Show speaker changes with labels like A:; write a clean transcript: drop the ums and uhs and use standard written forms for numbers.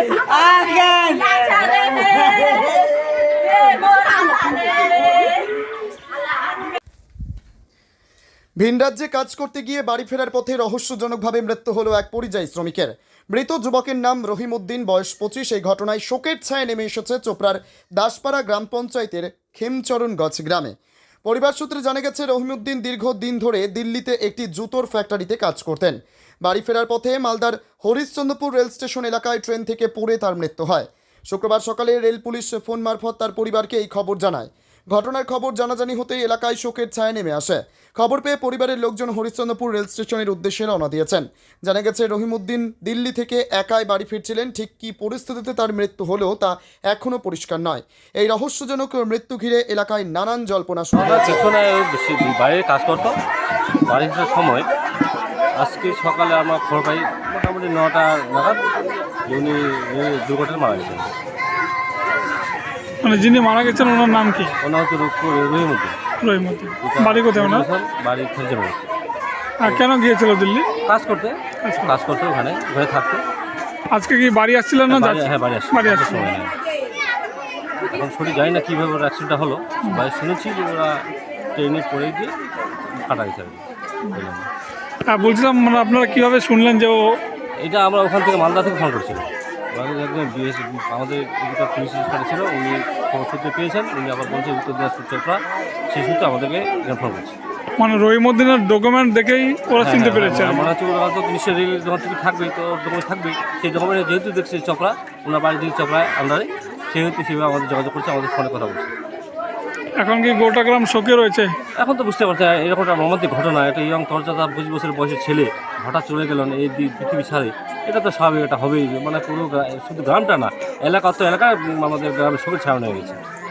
A: ভিন রাজ্যে কাজ করতে গিয়ে বাড়ি ফেরার পথে রহস্যজনকভাবে মৃত্যু হলো এক পরিযায়ী শ্রমিকের। মৃত যুবকের নাম রহিমউদ্দিন, বয়স 25। এই ঘটনায় শোকের ছায়া নেমে এসেছে চোপড়ার দাসপাড়া গ্রাম পঞ্চায়েতের খেমচরণগঞ্জ গ্রামে। পরিবার সূত্রে জানা গেছে, রহিমউদ্দিন দীর্ঘদিন ধরে দিল্লিতে একটি জুতোর ফ্যাক্টরিতে কাজ করতেন। বাড়ি ফেরার পথে মালদার হরিশ্চন্দ্রপুর রেল স্টেশন এলাকায় ট্রেন থেকে পড়ে তার মৃত্যু হয়। শুক্রবার সকালে রেল পুলিশ ফোন মারফত তার পরিবারকে এই খবর জানায়। ঘটনার খবর জানাজানি হতেই এলাকায় শোকের ছায়া নেমে আসে। খবর পেয়ে পরিবারের লোকজন হরিশ্চন্দ্রপুর রেল স্টেশনের উদ্দেশ্যে রওনা দিয়েছেন। জানা গেছে, রহিমউদ্দিন দিল্লি থেকে একাই বাড়ি ফিরছিলেন। ঠিক কী পরিস্থিতিতে তার মৃত্যু হলো তা এখনও পরিষ্কার নয়। এই রহস্যজনক মৃত্যু ঘিরে এলাকায় নানান জল্পনা শুরু হয়েছে।
B: বাইরে কাজ করতো, বাড়ি ফেরার সময় আজকে সকালে আমরা খবর পাই মোটামুটি 9টা নাগাদ উনি দুর্ঘটনায় মারা গেছেন।
C: মানে যিনি মারা গেছেন ওনার নাম কি?
B: ওনার হচ্ছে রহিমউদ্দিন।
C: রহিমউদ্দিন বাড়ি কোথায় ওনার?
B: বাড়ি খেলছে।
C: আর কেন গিয়েছিল দিল্লি?
B: কাজ করতে ওখানে থাকতো।
C: আজকে কি বাড়ি আসছিলেন না?
B: হ্যাঁ, বাড়ি আসছিল। এখন সঠিক জানি না কীভাবে ওর অ্যাক্সিডেন্টটা হলো। বাড়ি শুনেছি যে ওরা ট্রেনে পড়ে গিয়ে কাটা গেছে।
C: বলছিলাম, মানে আপনারা কীভাবে শুনলেন যে ও?
B: এটা আমরা ওখান থেকে মালদা থেকে ফোন করছিলাম। আমাদের একটা পুলিশ ইন্সপেক্টর ছিল, উনি খবর সূত্রে পেয়েছেন। উনি আবার বলছে উত্তর দিনাজপুর চোপড়া, সেই সূত্রে আমাদেরকে ফোন করছে।
C: মানে রহিমউদ্দিনের ডকুমেন্ট দেখেই ওরা চিনতে পেরেছে?
B: মনে হচ্ছে ওরা তো নিশ্চয়ই রেল যখন থেকে থাকবেই, তো ডকুমেন্ট থাকবেই। সেই ডকুমেন্টে যেহেতু দেখছে চোপড়া, ওনার বাড়ি যদি চোপড়ায় আন্ডারে, সেহেতু সেভাবে আমাদের যোগাযোগ করছে, আমাদের ফোনে কথা বলছে।
C: এখন কি গোটা গ্রাম শোকে রয়েছে?
B: এখন তো বুঝতে পারছে এরকম একটা মর্মান্তিক ঘটনা। একটা ইয়ং তরজাদা 25 বছরের বয়সের ছেলে হঠাৎ চলে গেলেন এই পৃথিবী ছাড়ে। এটা তো স্বাভাবিক, এটা হবেই। মানে পুরো শুধু গ্রামটা না, এলাকা তো এলাকায় আমাদের গ্রামের শোকের ছায়া হয়ে গেছে।